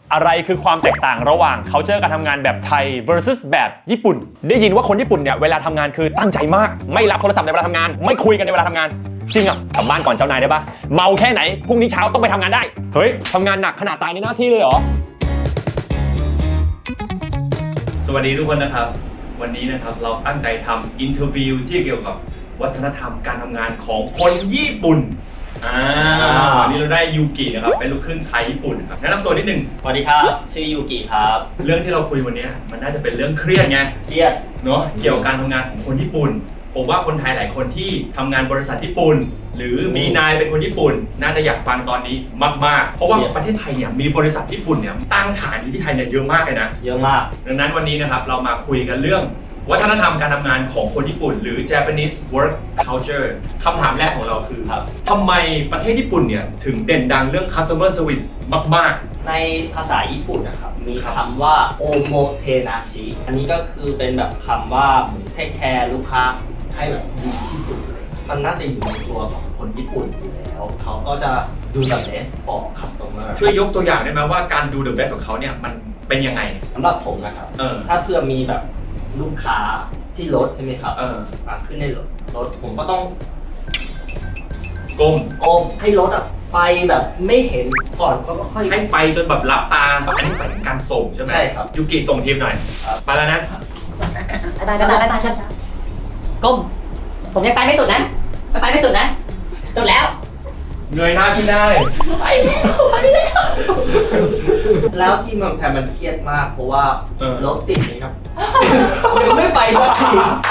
อะไรคือความแตกต่างระหว่าง culture การทำงานแบบไทย versus แบบญี่ปุ่นได้ยินว่าคนญี่ปุ่นเนี่ยเวลาทำงานคือตั้งใจมากไม่รับโทรศัพท์ในเวลาทำงานไม่คุยกันในเวลาทำงานจริงอ่ะกลับบ้านก่อนเจ้านายได้ปะเมาแค่ไหนพรุ่งนี้เช้าต้องไปทำงานได้เฮ้ยทำงานหนักขนาดตายในหน้าที่เลยเหรอสวัสดีทุกคนนะครับวันนี้นะครับเราตั้งใจทำอินเทอร์วิวที่เกี่ยวกับวัฒนธรรมการทำงานของคนญี่ปุ่นวันนี้เราได้ยูกินะครับเป็นลูกครึ่งไทยญี่ปุ่นครับแนะนำตัวนิดนึงสวัสดีครับชื่อยูกิครับเรื่องที่เราคุยวันนี้มันน่าจะเป็นเรื่องเครียดไงเครียดเนาะเกี่ยวกับการทำงานของคนญี่ปุ่นผมว่าคนไทยหลายคนที่ทำงานบริษัทญี่ปุ่นหรือมีนายเป็นคนญี่ปุ่นน่าจะอยากฟังตอนนี้มากๆเพราะว่าประเทศไทยเนี่ยมีบริษัทญี่ปุ่นเนี่ยตั้งฐานอยู่ที่ไทยเนี่ยเยอะมากเลยนะเยอะมากดังนั้นวันนี้นะครับเรามาคุยกันเรื่องวัฒนธรรมการทำงานของคนญี่ปุ่นหรือ Japanese Work Culture คำถามแรกของเราคือทำไมประเทศญี่ปุ่นเนี่ยถึงเด่นดังเรื่อง Customer Service มากในภาษาญี่ปุ่นนะครับมีคำว่าโอโมเทนาชิอันนี้ก็คือเป็นแบบคำว่าเทคแคร์ลูกค้าให้แบบดีที่สุดเลยมันน่าจะอยู่ในตัวของคนญี่ปุ่นอยู่แล้วเขาก็จะดูแบบเบสบอกครับตรงนั้นช่วยยกตัวอย่างได้ไหมว่าการดู the best ของเขาเนี่ยมันเป็นยังไงสำหรับผมนะครับถ้าเพื่อมีแบบลูกค้าที่รถใช่ไหมครับขึ้นในรถผมก็ต้องก้มให้รถไปแบบไม่เห็นก่อนก็ค่อยให้ไปจนแบบรับตาอันนี้เป็นการส่งใช่ไหมใช่ครับยูกิส่งทีมหน่อยไปแล้วนะไปช้าก้มผมยังไปไม่สุดนะไปไม่สุดนะสุดแล้วเงยหน้าขึ้นได้ไปแล้วที่เมืองไทยมันเครียดมากเพราะว่ารถติดนี่ครับยังไม่ไปสักที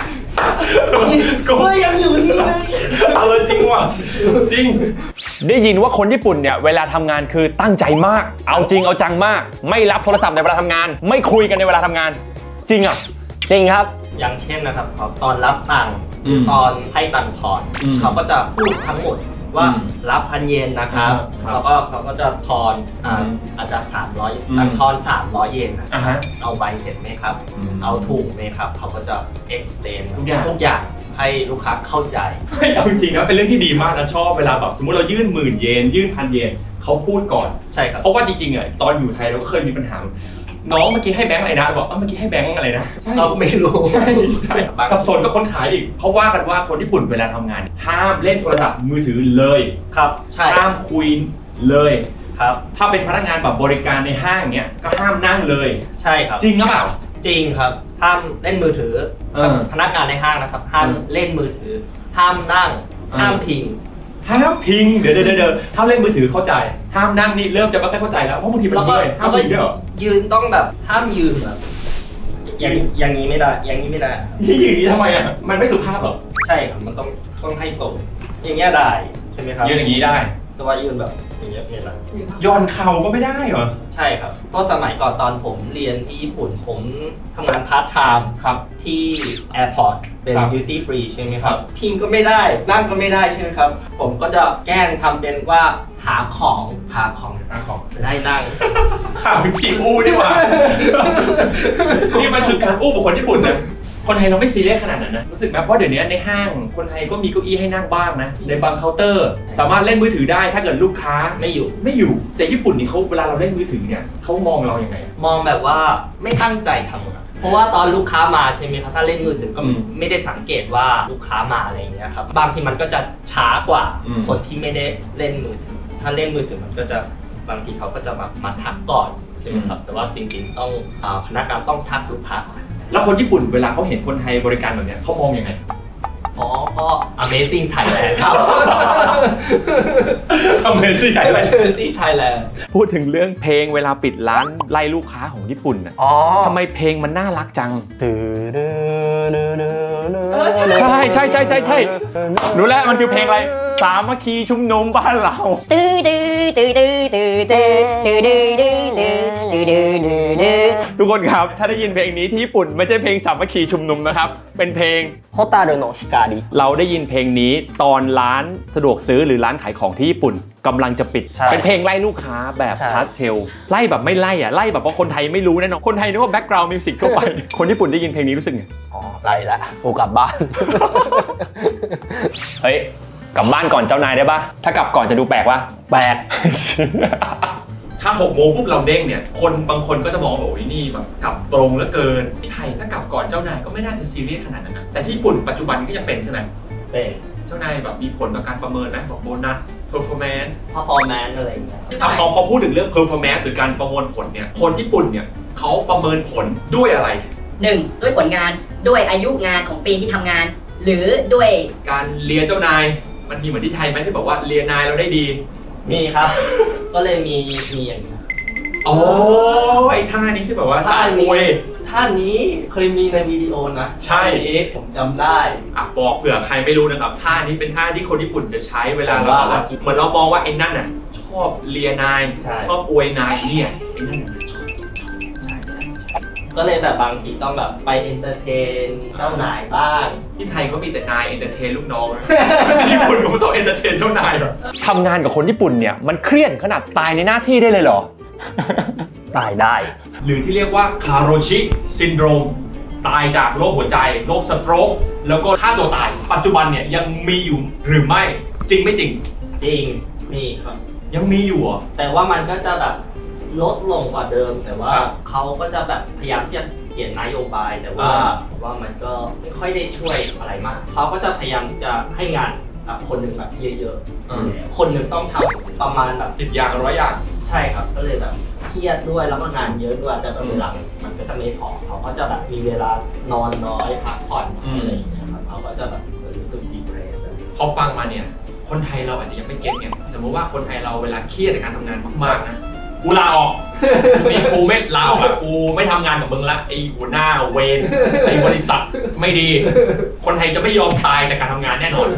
ก็ยังอยู่นี่เลยจริงว่ะจริงได้ยินว่าคนญี่ปุ่นเนี่ยเวลาทำงานคือตั้งใจมากเอาจริงเอาจังมากไม่รับโทรศัพท์ในเวลาทำงานไม่คุยกันในเวลาทำงานจริงอ่ะจริงครับอย่างเช่นนะครับตอนรับตังค์ตอนให้ตังค์ทอนเขาก็จะพูดทั้งหมดว่ารับ1,000 เยนนะครับแล้วก็เขาก็จะทอนอาจจะ300ตังค์ทอน300 เยนนะครับเอาใบเสร็จไหมครับเอาถูกไหมครับเขาก็จะ explain ทุกอย่างให้ลูกค้าเข้าใจเอาจริงๆนะเป็นเรื่องที่ดีมากนะชอบเวลาแบบสมมติเรายื่น10,000 เยนยื่น1,000 เยนเขาพูดก่อนใช่ครับเพราะว่าจริงๆอ่ะตอนอยู่ไทยเราก็เคยมีปัญหาน้องเมื่อกี้ให้แบงค์อะไรนะบอกเมื่อกี้ให้แบงค์อะไรนะเราไม่รู้ใช่สับสนกับคนขายอีกเพราะว่ากันว่าคนญี่ปุ่นเวลาทำงานห้ามเล่นโทรศัพท์มือถือเลยครับใช่ห้ามคุยเลยครับถ้าเป็นพนักงานแบบบริการในห้างเนี้ยก็ห้ามนั่งเลยใช่ครับจริงหรือเปล่าจริงครับห้ามเล่นมือถือพนักงานในห้างนะครับห้ามเล่นมือถือห้ามนั่งห้ามพิงห้ามพิงเดี๋ยวห้ามเล่นมือถือเข้าใจห้ามนั่งนี่เริ่มจะไม่ค่อยเข้าใจแล้วเพราะบางทีมันด้วยห้ามยืนด้วยเหรอยืนต้องแบบห้ามยืนแบบอย่างนี้ไม่ได้อย่างนี้ไม่ได้ที่ยืนนี้ทำไมอ่ะมันไม่สุภาพหรอใช่ครับมันต้องให้ตรงอย่างเงี้ยได้ใช่ไหมครับยืนอย่างนี้ได้แต่ว่ายืนแบบอย่างเงี้ยไม่ได้ย้อนเข่าก็ไม่ได้เหรอใช่ครับเพราะสมัยก่อนตอนผมเรียนที่ญี่ปุ่นผมทำงานพาร์ทไทม์ครับที่แอร์พอร์ตเป็นดิวตี้ฟรีใช่ไหมครับพิงก็ไม่ได้นั่งก็ไม่ได้ใช่ไหมครับผมก็จะแกล้งทำเป็นว่าหาของจะได้นั่งหาวิธีอู้ดีกว่านี่มันคือการอู้บุคคลญี่ปุ่นนะคนไทยเราไม่ซีเรียสขนาดนั้นนะรู้สึกไหมเพราะเดี๋ยวนี้ในห้างคนไทยก็มีเก้าอี้ให้นั่งบ้างนะในบางเคาน์เตอร์สามารถเล่นมือถือได้ถ้าเกิดลูกค้าไม่อยู่แต่ญี่ปุ่นนี่เขาเวลาเราเล่นมือถือเนี่ยเขามองเราอย่างไรมองแบบว่าไม่ตั้งใจทำเพราะว่าตอนลูกค้ามาใช่ไหมครับถ้าเล่นมือถือก็ไม่ได้สังเกตว่าลูกค้ามาอะไรอย่างเงี้ยครับบางทีมันก็จะช้ากว่าคนที่ไม่ได้เล่นมือถือถ้าเล่นมือถือมันก็จะบางทีเขาก็จะมาทักก่อนใช่ไหมครับแต่ว่าจริงๆต้องพนักงานต้องทักลูกค้าก่อนแล้วคนญี่ปุ่นเวลาเขาเห็นคนไทยบริการแบบนี้เขามองยังไงเพราะ Amazing Thailand ครับ Amazing Thailand พูดถึงเรื่องเพลงเวลาปิดร้านไล่ลูกค้าของญี่ปุ่นน่ะทำไมเพลงมันน่ารักจังใช่รู้แล้วมันคือเพลงอะไรสามัคคีชุมนุมบ้านเราทุกคนครับถ้าได้ยินเพลงนี้ที่ญี่ปุ่นไม่ใช่เพลงสามัคคีชุมนุมนะครับเป็นเพลงโฮตารุโนะชิการิเราได้ยินเพลงนี้ตอนร้านสะดวกซื้อหรือร้านขายของที่ญี่ปุ่นกำลังจะปิดเป็นเพลงไล่ลูกค้าแบบพาสเทลไล่แบบไม่ไล่อะไล่แบบว่าคนไทยไม่รู้แน่นอนคนไทยนึกว่าแบ็คกราวด์มิวสิกทั่วไปคนญี่ปุ่นได้ยินเพลงนี้รู้สึกไงไล่ละกูกลับบ้านเฮ้ยกลับบ้านก่อนเจ้านายได้ปะถ้ากลับก่อนจะดูแปลกวะแปลกถ้า6 โมงปุ๊บเราเด้งเนี่ยคนบางคนก็จะมองว่าโอ้ยนี่แบบกลับตรงเหลือเกินที่ไทยถ้ากลับก่อนเจ้านายก็ไม่น่าจะซีเรียสขนาดนั้นนะแต่ที่ญี่ปุ่นปัจจุบันก็ยังเป็นใช่ไหมเป็นเจ้านายแบบมีผลต่อการประเมินไหมบอกโบนัส performance performance อะไรอย่างเงี้ยพอพูดถึงเรื่อง performance หรือการประมวลผลเนี่ยคนญี่ปุ่นเนี่ยเขาประเมินผลด้วยอะไร 1. ด้วยผลงานด้วยอายุงานของปีที่ทำงาน หรือด้วยการเลียเจ้านายมันมีเหมือนที่ไทยไหมที่บอกว่าเลียนายเราได้ดีมีครับ ก็เลยมีอย่างนี้โอ้ไอ้ท่านี้ที่แบบว่าสายมวยท่านี้เคยมีในวิดีโอนะใช่ท่านี้ผมจำได้อ่ะบอกเผื่อใครไม่รู้นะครับท่านี้เป็นท่าที่คนญี่ปุ่นจะใช้เวลาเราว่าแบบว่าเหมือนเรามองว่าไอ้นั่นน่ะชอบเลียนายใช่ชอบอวยนายเนี่ยไอ้นั่นน่ะชอบก็เลยแบบบางทีต้องแบบไปเอนเตอร์เทนเจ้านายบ้างที่ไทยเขามีแต่นายเอนเตอร์เทนลูกน้องนะ ที่ญี่ปุ่นเขาต้องเอนเตอร์เทนเจ้านายเหรอทำงานกับคนญี่ปุ่นเนี่ยมันเครียดขนาดตายในหน้าที่ได้เลยเหรอตายได้หรือที่เรียกว่าคาโรชิซินโดรมตายจากโรคหัวใจโรคสโตรกแล้วก็ฆ่าตัวตาย ปัจจุบันเนี่ยยังมีอยู่หรือไม่จริงไม่จริงจริงมีครับยังมีอยู่เหรอแต่ว่ามันก็จะแบบลดลงกว่าเดิม แต่ว่าครับเขาก็จะแบบพยายามที่จะเปลี่ยนนโยบาย แต่ว่ามันก็ไม่ค่อยได้ช่วยอะไรมาก เขาก็จะพยายามจะให้งานกับคนหนึ่งแบบเยอะๆคนหนึ่งต้องทำประมาณแบบ 10 อย่าง100 อย่างใช่ครับ ก็เลยแบบเครียดด้วยแล้วก็งานเยอะด้วยแต่แบบเวลามันก็จะไม่พอเขาก็จะแบบมีเวลานอนน้อยพักผ่อนน้อยอะไรอย่างเงี้ยครับเขาก็จะแบบรู้สึกดีเพรสอะไรอย่างเงี้ยพอฟังมาเนี่ยคนไทยเราอาจจะยังไม่เก็ตไงสมมติว่าคนไทยเราเวลาเครียดจากการทำงานมากๆนะกูลาออกนี่กูไม่ลาออกละกูไม่ทำงานกับมึงละไอ้หัวหน้าเวรไอ้บริษัทไม่ดี คนไทยจะไม่ยอมตายจากการทำงานแน่นอน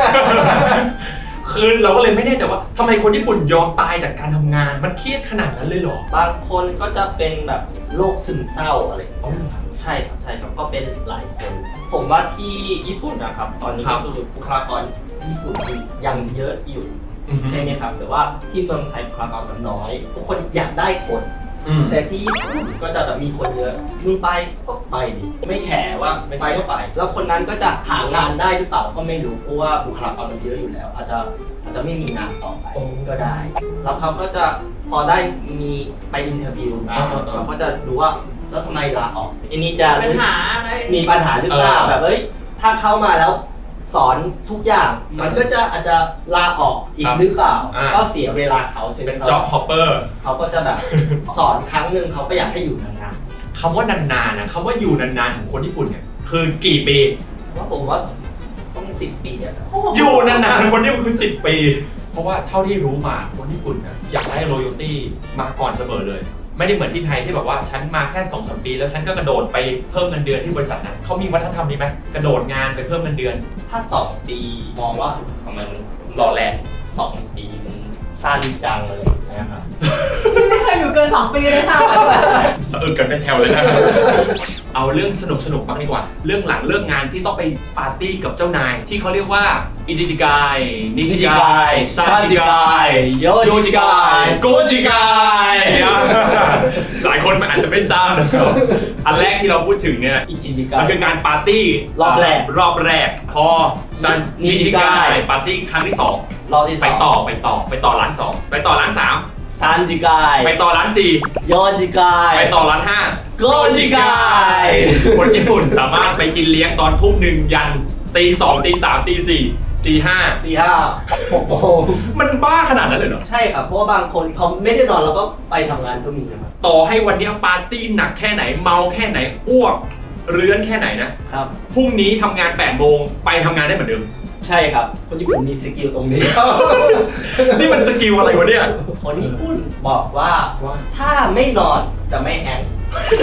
คือเราก็เลยไม่แน่ใจว่าทำไมคนญี่ปุ่นยอมตายจากการทำงานมันเครียดขนาดนั้นเลยเหรอบางคนก็จะเป็นแบบโรคซึมเศร้าอะไรอย่างเงี้ยครับใช่ครับก็เป็นหลายคน ผมว่าที่ญี่ปุ่นนะครับตอนนี้ครัก็บคือบุคลากรญี่ปุ่นยังเยอะอยู่ใช่ไหมครับแต่ว่าที่เมืองไทยบุคลากรมันน้อยทุกคนอยากได้คน แต่ที่ญี่ปุ่นก็จะแบบมีคนเยอะมึงไปก็ไปดิไม่แคร์ว่าไปก็ไป แล้วคนนั้นก็จะหางานได้หรือเปล่าก็ไม่รู้เพราะว่าบุคลากรมันเยอะอยู่แล้ว อาจจะไม่มีงานต่อไปก็ได้ แล้วเขาก็จะพอได้มีไปอินเทอร์วิวเขาก็จะรู้ว่าแล้วทำไมลาออกอันนี้จะปัญหาอะไรมีปัญหาหรือเปล่าแบบเอ้ยถ้าเข้ามาแล้วสอนทุกอย่างมันก็จะอาจจะลาออกอีกหรือเปล่าก็เสียเวลาเขาใช่ไหมเป็นครับ job hopper เขาก็จะแบบ สอนครั้งหนึ่งเขาก็อยากให้อยู่นานคำว่านานๆนะคำว่าอยู่นานๆของคนญี่ปุ่นเนี่ยคือกี่ปีๆว่าผมว่าต้อง10 ปีอะครับอยู่นานๆคนญี่ปุ่นคือ10 ปี เพราะว่าเท่าที่รู้มาคนญี่ปุ่นนะอยากได้ loyalty มาก่อนเสมอเลย ไม่ได้เหมือนที่ไทยที่แบบว่าฉันมาแค่ 2-3 ปี แล้วฉันก็กระโดดไปเพิ่มเงินเดือนที่บริษัทนั้นเขามีวัฒนธรรมนี้ไหมกระโดดงานไปเพิ่มเงินเดือนถ้า2 ปีมองว่าทำไมมันหล่อแหละ 2 ปีมันสั้นจังเลยนะครับไม่เคยอยู่เกิน 2 ปีเลยค่ะสะอึกกันเป็นแถวเลยนะ เอาเรื่องสนุกๆบ้างดีกว่า เรื่องหลังเลิกงานที่ต้องไปปาร์ตี้กับเจ้านาย ที่เขาเรียกว่าอิจิจิกายนิจิกายซาจิกายโยจิกายโกจิกายหลายคนมันอาจจะไม่ทราบนะครับอันแรกที่เราพูดถึงเนี่ยอิจิจิกะมันคือการปาร์ตี้รอบแรกพอซันนิจิกายปาร์ตี้ครั้งที่สองรอบที่ไปต่อร้านสองไปต่อร้านสามซันจิกายไปต่อร้านสี่โยจิกายไปต่อร้านห้าโกจิกายคนญี่ปุ่นสามารถไปกินเลี้ยงตอนทุ่ม 1ยันตี2ตี3ตี4ตี5 ตี 5 6 โมงมันบ้าขนาดนั้นเลยเหรอใช่ครับเพราะว่าบางคนเขาไม่ได้นอนแล้วก็ไปทำงานก็มีนะครับต่อให้วันนี้ปาร์ตี้หนักแค่ไหนเมาแค่ไหนอ้วกเรื้อนแค่ไหนนะครับ พรุ่งนี้ทำงาน8โมงไปทำงานได้เหมือนเดิมใช่ครับคนญี่ปุ่นมีสกิลตรงนี้นี่มันสกิลอะไรวะเนี่ยคนญี่ปุ่นบอกว่าถ้าไม่นอนจะไม่แฮงก์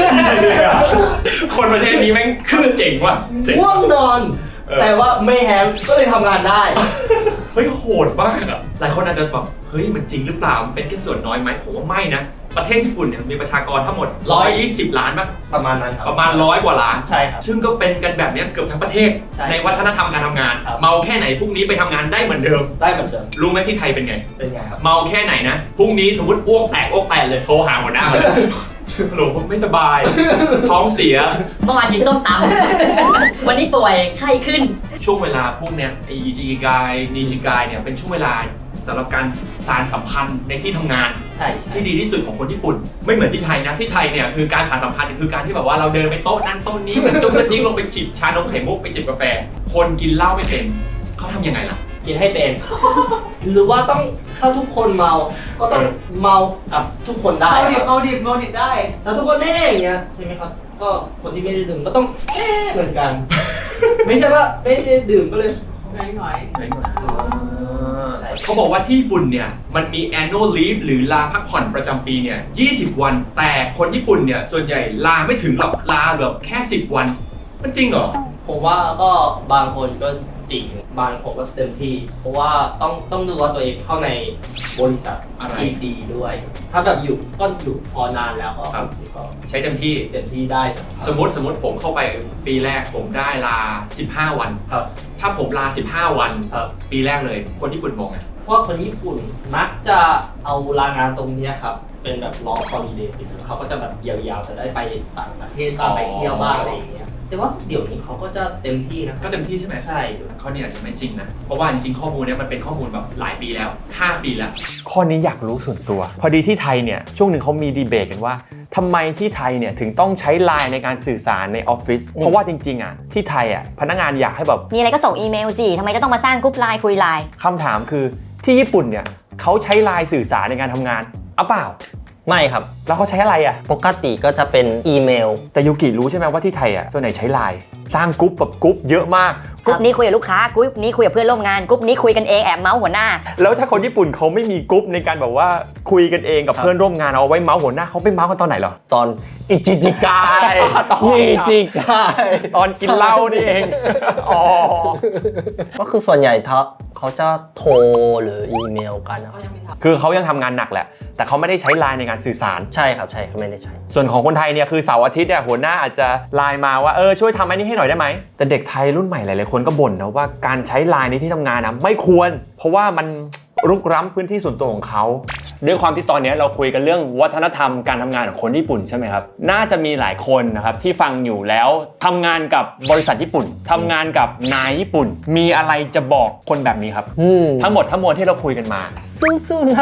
คนประเทศนี้แม่งคือเจ๋งว่ะเจ๋งง่วงนอน แต่ว่าไม่แฮงก์ก็เลยทำงานได้เฮ้ยโหดมากอะหลายคนอาจจะแบบเฮ้ยมันจริงหรือเปล่ามันเป็นแค่ส่วนน้อยไหมผมว่าไม่นะประเทศญี่ปุ่นเนี่ยมีประชากรทั้งหมด120 ล้านป่ะประมาณนั้นครับประมาณ100 กว่าล้านใช่ครับซึ่งก็เป็นกันแบบเนี้ยเกือบทั้งประเทศใช่ในวัฒนธรรมการทำงานครับเมาแค่ไหนพรุ่งนี้ไปทำงานได้เหมือนเดิมได้เหมือนเดิมรู้ไหมที่ไทยเป็นไงเป็นไงครับเมาแค่ไหนนะพรุ่งนี้สมมติอ้วกแตกเลยโทรหาหัวหน้าเลยฮัลโหลผมไม่สบาย ท้องเสียเมื่อวานกินส้มตำ วันนี้ป่วยไข้ขึ้นช่วงเวลาพวกเนี้ยไอจิกายนิจิกายเนี่ยเป็นช่วงเวลาสำหรับการสานสัมพันธ์ในที่ทำงานใช่ที่ดีที่สุดของคนญี่ปุ่นไม่เหมือนที่ไทยนะที่ไทยเนี่ยคือการสานสัมพันธ์คือการที่แบบว่าเราเดินไปโต๊ะนั้นโต๊ะนี้กันจงกระจิ้งลงไปจิบชานมไข่มุกไปจิบกาแฟคนกินเหล้าไม่เป็นเขาทำยังไงล่ะกินให้เป็น หรือว่าต้องถ้าทุกคนเมาก็ต้องเมากับทุกคนได้เอาดิบครับเอาดิบเอาดิบได้ถ้าทุกคนอย่างเงี้ยใช่ไหมครับก็คนที่ไม่ได้ดื่มก็ต้องเหมือนกัน ไม่ใช่ว่าไม่ได้ดื่มก็เลยหน่อยหน่อยเขาบอกว่าที่ญี่ปุ่นเนี่ยมันมี annual leave หรือลาพักผ่อนประจำปีเนี่ย20 วัน แต่คนญี่ปุ่นเนี่ยส่วนใหญ่ลาไม่ถึงหรอกลาแบบแค่10 วันมันจริงเหรอผมว่าก็บางคนก็จริงบางคนก็เต็มที่ เพราะว่าต้องดูว่าตัวเองเข้าในบริษัทอะไรที่ดีด้วย ถ้าแบบอยู่ก็อยู่พอนานแล้วก็ครับก็ใช้เต็มที่เต็มที่ได้ครับสมมติผมเข้าไปปีแรกผมได้ลา 15 วันครับถ้าผมลา 15 วันครับปีแรกเลย คนญี่ปุ่นมองไงเพราะคนญี่ปุ่นมักจะเอาลางานตรงเนี้ยครับเป็นแบบ long holiday เขาก็จะแบบยาวๆจะได้ไปต่างประเทศบ้างไปเที่ยวบ้างอะไรอย่างเงี้ยแต่ว่าเดี๋ยวนี้เขาก็จะเต็มที่นะก็เต็มที่ใช่ไหมใช่ข้อนี้อาจจะไม่จริงนะ เพราะว่าจริงๆข้อมูลเนี้ยมันเป็นข้อมูลแบบหลายปีแล้ว 5 ปีแล้วข้อนี้อยากรู้ส่วนตัว พอดีที่ไทยเนี่ยช่วงหนึ่งเขามีดีเบตกันว่าทำไมที่ไทยเนี่ยถึงต้องใช้ไลน์ในการสื่อสารในออฟฟิศเพราะว่าจริงๆอ่ะที่ไทยอ่ะพนักงานอยากให้แบบมีอะไรก็ส่งอีเมลสิทำไมจะต้องมาสร้างกรุ๊ปไลน์คุยไลน์คำถามคือที่ญี่ปุ่นเนี่ยเขาใช้ไลน์สื่อสารในการทำงานเอาเปล่าไม่ครับแล้วเขาใช้อะไรอ่ะปกติก็จะเป็นอีเมลแต่ยูกิรู้ใช่ไหมว่าที่ไทยอ่ะส่วนไหนใช้ไลน์สร้างกรุ๊ปแบบกรุ๊ปเยอะมากกรุ๊ปนี้คุยกับลูกค้ากรุ๊ปนี้คุยกับเพื่อนร่วมงานกรุ๊ปนี้คุยกันเองแอบเมาส์หัวหน้าแล้วถ้าคนญี่ปุ่นเขาไม่มีกรุ๊ปในการแบบว่าคุยกันเองกับเพื่อนร่วมงานเอาไว้เมาส์หัวหน้าเขาไปเมาส์กันตอนไหนเหรอตอนอิจิจิกายตอนมีจิกายตอนกินเหล้านี่เองอ๋อก็คือส่วนใหญ่เขาจะโทรหรืออีเมลกันนะครับคือเขายังทำงานหนักแหละแต่เขาไม่ได้ใช้ไลน์ในการสื่อสารใช่ครับใช่เขาไม่ได้ใช้ส่วนของคนไทยเนี่ยคือเสาร์อาทิตย์เนี่ยหัวหน้าอาจจะไลน์มาว่าช่วยทำอันนี้ให้หน่อยได้ไหมแต่เด็กไทยรุ่นใหม่หลายๆคนก็บ่นนะว่าการใช้ไลน์ในที่ทำงานนะไม่ควร เพราะว่ามันรุกล้ำพื้นที่ส่วนตัวของเขาด้วยความที่ตอนนี้เราคุยกันเรื่องวัฒนธรรมการทำงานของคนญี่ปุ่นใช่ไหมครับน่าจะมีหลายคนนะครับที่ฟังอยู่แล้วทำงานกับบริษัทญี่ปุ่นทำงานกับนายญี่ปุ่น มีอะไรจะบอกคนแบบนี้ครับทั้งหมดทั้งมวลที่เราคุยกันมาสู้ๆนะ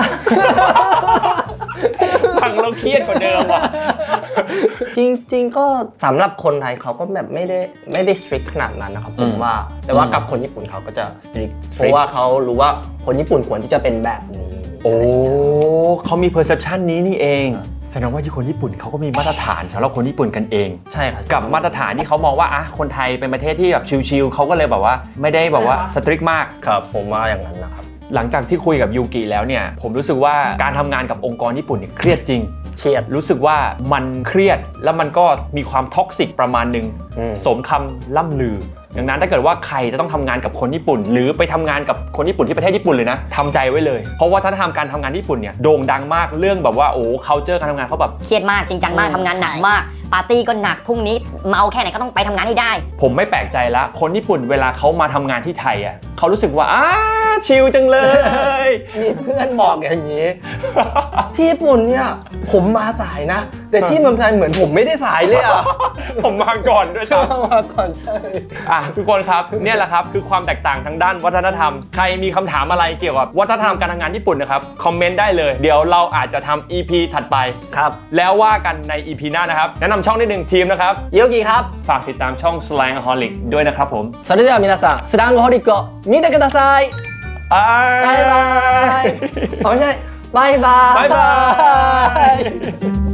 ฟังเราเครียดกว่าเดิมว่ะจริงๆก็สำหรับคนไทยเขาก็แบบไม่ได้ strict ขนาดนั้นนะครับผมว่าแต่ว่ากับคนญี่ปุ่นเขาก็จะ strict เพราะว่าเขารู้ว่าคนญี่ปุ่นควรที่จะเป็นแบบนี้โอ้เขามี perception นี้นี่เองแสดงว่าที่คนญี่ปุ่นเขาก็มีมาตรฐานสำหรับคนญี่ปุ่นกันเองใช่ครับกับมาตรฐานที่เขามองว่าคนไทยเป็นประเทศที่แบบชิลๆเขาก็เลยแบบว่าไม่ได้แบบว่าสตริกมากครับผมว่าอย่างนั้นนะครับหลังจากที่คุยกับยูกิแล้วเนี่ยผมรู้สึกว่าการทำงานกับองค์กรญี่ปุ่นเนี่ยเครียดจริงเครียดรู้สึกว่ามันเครียดแล้วมันก็มีความท็อกซิกประมาณหนึ่งสมคำล่ำลือ ดังนั้นถ้าเกิดว่าใครจะต้องทำงานกับคนญี่ปุ่น หรือไปทำงานกับคนญี่ปุ่นที่ประเทศญี่ปุ่นเลยนะทำใจไว้เลยเพราะว่าถ้าทำการทำงานญี่ปุ่นเนี่ยโด่งดังมากเรื่องแบบว่าculture การทำงานเขาแบบเครียดมากจริงจังมากทำงานหนักมากปาร์ตี้ก็หนักพรุ่งนี้เมาแค่ไหนก็ต้องไปทำงานให้ได้ผมไม่แปลกใจละคนญี่ปุ่นเวลาเขามาทำงานที่ไทยอ่ะเขารู้สึกว่าชิลจังเลยมีเพื่อนบอกอย่างนี้ ที่ญี่ปุ่นเนี่ยผมมาสายนะ แต่ที่เมืองไทยเหมือนผมไม่ได้สายเลยอ่ะผมมาก่อนด้วยซ้ำมาก่อนใช่ทุกคนครับเนี่ยแหละครับคือความแตกต่างทางด้านวัฒนธรรมใครมีคำถามอะไรเกี่ยวกับวัฒนธรรมการทำงานญี่ปุ่นนะครับคอมเมนต์ได้เลยเดี๋ยวเราอาจจะทำ EP ถัดไปครับแล้วว่ากันใน EP หน้านะครับแนะนำช่องนิดนึงทีมนะครับโยกิครับฝากติดตามช่อง Slangaholic ด้วยนะครับผมそれでは皆さんスラングホリックを見てくださいบ๊ายバイバイไม่ใช่บายบายบ๊ายบาย